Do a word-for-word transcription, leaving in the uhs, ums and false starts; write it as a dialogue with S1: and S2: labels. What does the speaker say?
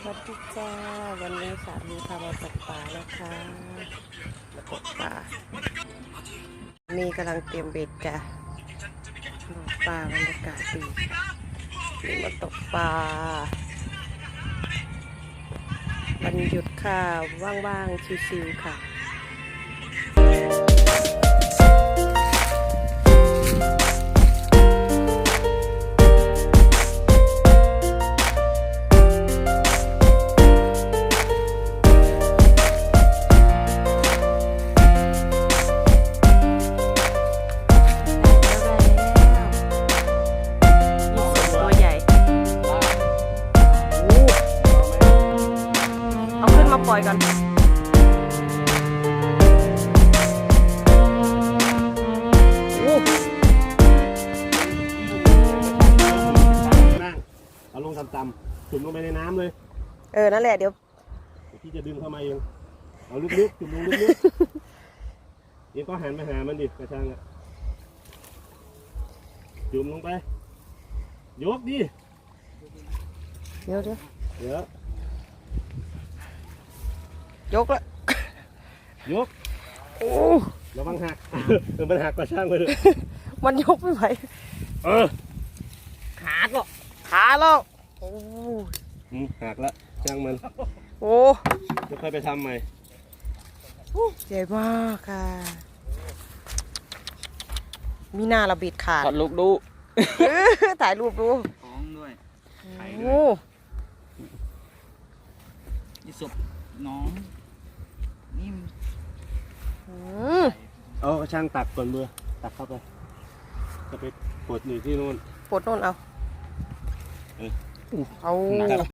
S1: วัสดีจ้าวันนี้สามีพามาตกปลานะคะมาตกปลานี่กำลังเตรียมเบ็ดจ้ะตกปลาบรรยากาศดีนี่มาตกปลาวันหยุดค่ะว่างๆชิวๆค่ะปล่อยกันโอ้
S2: นั่งเอาลงต่ำๆจุ่มลงไปในน้ำเลย
S1: เออนั่นแหละเดี๋ยว
S2: พี่จะดึงเข้ามาเองเอาลึกๆจุ่มลงลึกๆเองก็หันไปหามันดิกระชังอ่ะจุ่มลงไปยกดิ
S1: เดี๋ยวเดี๋ยว
S2: เดี๋ย
S1: วยกละ
S2: ยก
S1: โอ้
S2: ระวังหักเออมันหักกระช่างไปเลย
S1: มันยกไม่ไหว
S2: เออ
S1: ขาก็ขาแล้วโอ้
S2: หักละช่างมัน
S1: โอ้
S2: จะค่อยไปทำใหม่
S1: ใหญ่มากค่ะมีหน้าเราบิดขาด
S3: ถ่ายรูปดู
S1: ถ่ายรูปดู
S3: ท้องด้วย
S1: โอ้
S3: ยี่สุบน้องนี่
S2: เอาช่างตักก่อนมือตักเข้าไปจะไปปวดอยู่ที่นู่น
S1: ปวดโน่นเอาเอา